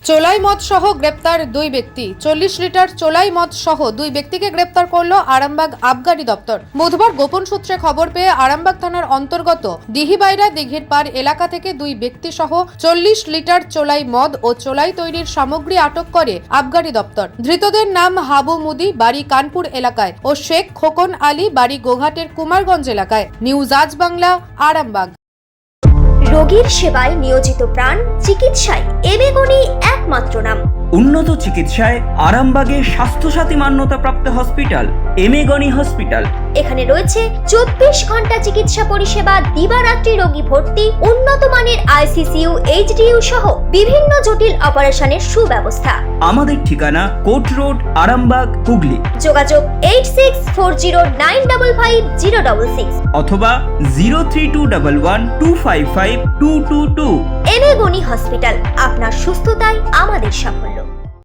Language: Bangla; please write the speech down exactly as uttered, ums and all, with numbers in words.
চোলাই মদ সহ গ্রেপ্তার দুই ব্যক্তি। চল্লিশ লিটার চোলাই মদ সহ দুই ব্যক্তিকে গ্রেপ্তার করল আরামবাগ আবগারি দপ্তর। বুধবার গোপন সূত্রে খবর পেয়ে আরামবাগ থানার অন্তর্গত দিহিবাইরা দিঘির পাড় এলাকা থেকে দুই ব্যক্তি সহ চল্লিশ লিটার চোলাই মদ ও চোলাই তৈরির সামগ্রী আটক করে আবগারি দপ্তর। ধৃতদের নাম হাবু মুদি, বাড়ি কানপুর এলাকায়, ও শেখ খোকন আলী, বাড়ি গোঘাটের কুমারগঞ্জ এলাকায়। নিউজ আজ বাংলা, আরামবাগ। রোগীর সেবায় নিয়োজিত প্রাণ, চিকিৎসায় এবেগুনি একমাত্র নাম। উন্নত চিকিৎসায় আরামবাগে স্বাস্থ্যসাথী মান্যতাপ্রাপ্ত হসপিটাল এমেগনি হসপিটাল। এখানে রয়েছে চব্বিশ ঘন্টা চিকিৎসা পরিষেবা, দিবারাত্রি রোগী ভর্তি, উন্নত মানের আইসিসিইউ, এইচডিইউ সহ বিভিন্ন জটিল অপারেশনের সুব্যবস্থা। আমাদের ঠিকানা কোট রোড, আরামবাগ, হুগলি। যোগাযোগ eight six four zero nine double five zero double six অথবা zero three two double one two five five two two two. এবেগুনি হসপিটাল, আপনার সুস্থতাই আমাদের সাফল্য।